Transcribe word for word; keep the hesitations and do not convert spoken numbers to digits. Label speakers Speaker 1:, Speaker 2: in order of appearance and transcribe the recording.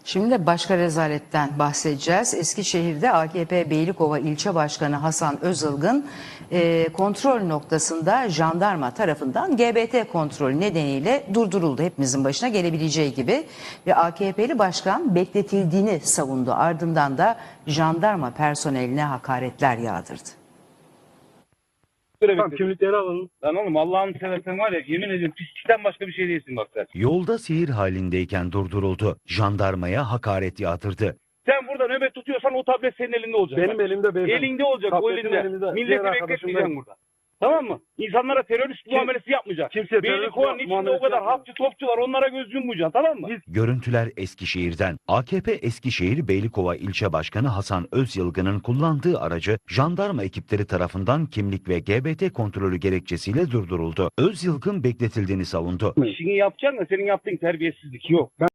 Speaker 1: Şimdi de başka rezaletten bahsedeceğiz. Eskişehir'de A K P Beylikova İlçe Başkanı Hasan Özılgın e, kontrol noktasında jandarma tarafından G B T kontrolü nedeniyle durduruldu. Hepimizin başına gelebileceği gibi ve A K P'li başkan bekletildiğini savundu. Ardından da jandarma personeline hakaretler yağdırdı.
Speaker 2: Tamam, kimlikleri alalım. Lan oğlum Allah'ını seversen var ya, yemin ediyorum pislikten başka bir şey değilsin bak sen.
Speaker 3: Yolda seyir halindeyken durduruldu. Jandarmaya hakaret yağdırdı.
Speaker 2: Sen burada nöbet tutuyorsan o tablet senin elinde olacak.
Speaker 4: Benim
Speaker 2: bak.
Speaker 4: elimde beyefendi.
Speaker 2: Elinde olacak, o
Speaker 4: Tabletim
Speaker 2: elinde.
Speaker 4: elimde.
Speaker 2: Milleti
Speaker 4: Diğer arkadaşım
Speaker 2: bekletmeyeceksin
Speaker 4: benim.
Speaker 2: burada. Tamam mı? İnsanlara terörist
Speaker 4: Kim-
Speaker 2: muamelesi yapmayacaksın.
Speaker 4: Kimseye terörist
Speaker 2: Beylikova'nın içinde o
Speaker 4: muamelesi
Speaker 2: kadar
Speaker 4: yapmıyor.
Speaker 2: hapçı topçu var, onlara göz yummayacaksın, tamam mı?
Speaker 4: Biz-
Speaker 3: Görüntüler Eskişehir'den. A K P Eskişehir Beylikova İlçe Başkanı Hasan Özyılgın'ın kullandığı aracı jandarma ekipleri tarafından kimlik ve G B T kontrolü gerekçesiyle durduruldu. Özyılgın bekletildiğini savundu.
Speaker 2: İşini yapacaksın da senin yaptığın terbiyesizlik yok.